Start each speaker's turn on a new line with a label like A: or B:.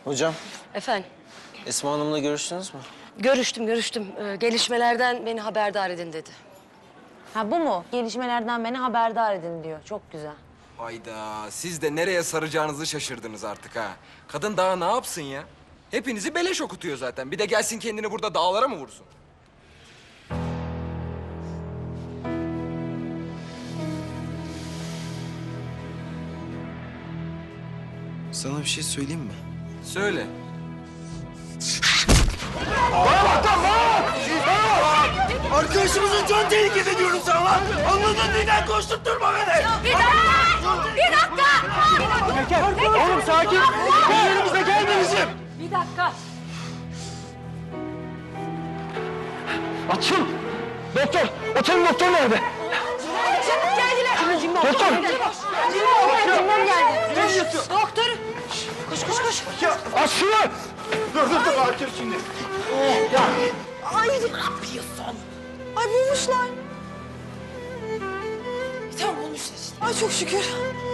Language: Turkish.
A: Hocam,
B: Efendim,
A: Esma Hanım'la görüştünüz mü?
B: görüştüm. Gelişmelerden beni haberdar edin dedi.
C: Ha bu mu? Gelişmelerden beni haberdar edin diyor. Çok güzel.
D: Hayda, siz de nereye saracağınızı şaşırdınız artık ha. Kadın daha ne yapsın ya? Hepinizi beleş okutuyor zaten. Bir de gelsin kendini burada dağlara mı vursun?
A: Sana bir şey söyleyeyim mi?
D: Söyle.
E: Arkadaşımızın can tehlikede diyorum sana lan. Anladın neden koşturtturma beni.
F: Bir dakika!
E: Oğlum sakin. Gözlerimize gelme bizim.
F: Bir dakika.
E: Açıl. Doktor. Otelin doktor nerede?
F: Çabuk geldiler.
E: Doktor.
F: Cimom geldi.
E: Ne diyorsun?
F: Doktor. Koş.
E: Ya aç şunu. Dur Akif şimdi.
F: Ay ne yapıyorsun? Ay bulmuşlar. Tamam bulmuşlar işte. Ay çok şükür.